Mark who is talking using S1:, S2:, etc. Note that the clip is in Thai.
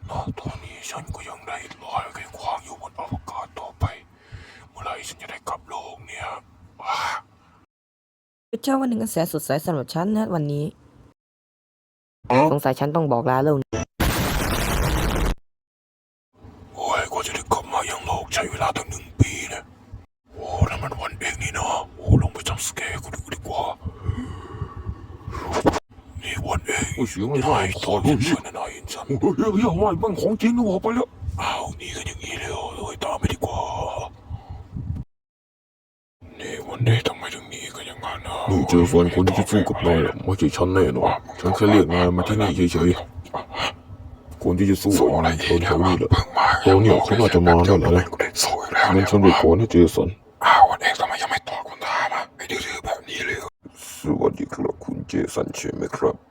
S1: ตอนนี้ฉันก็ยังได้ลอยไขขวางอยู่บนอวกาศต่อไปเมื่อไรฉันจะได้กลับโลกเนี่ย
S2: เช้าวันหนึ่งอันแสนสดใสสำหรับฉันนะวันนี้สงสัยฉันต้องบอกลาโลก
S1: โอ้ยกว่าจะได้กลับมายังโลกใช้เวลาตั้ง1 ปีนะโอ้นั่นมันวันเองนี่นะโอ้ลงไปจำสแกร์กูดูดีกว่านี่วันเอง
S3: เสียงอะไรขอดูสิ
S1: นายเห็นฉัน
S3: เฮ้ยว่ามันของจริงนะบอกไปแล้ว
S1: อ้าวนี่กันอย่างนี้เลยโอ้ยตามไปดีกว่านี่วันนี้ทำไมถึงหนีกันอย่างนั้นนะ
S3: นี่เจอฟันคนที่สู้กับนายไม่ใช่ฉันแน่นอนฉันแค่เรียกนายมาที่นี่เฉยๆคนที่จะสู้กับนายคนแถวนี้แหละตอนนี้เขาน่าจะมาแล้วนะงั้นฉันไปขอให้เจสัน
S1: อ้าววันเองทำไมยังไม่ตอบคำถามอ่ะไม่ดื้อแบบนี้เลย
S3: สวัสดีครับคุณเจสันใช่ไหมครับ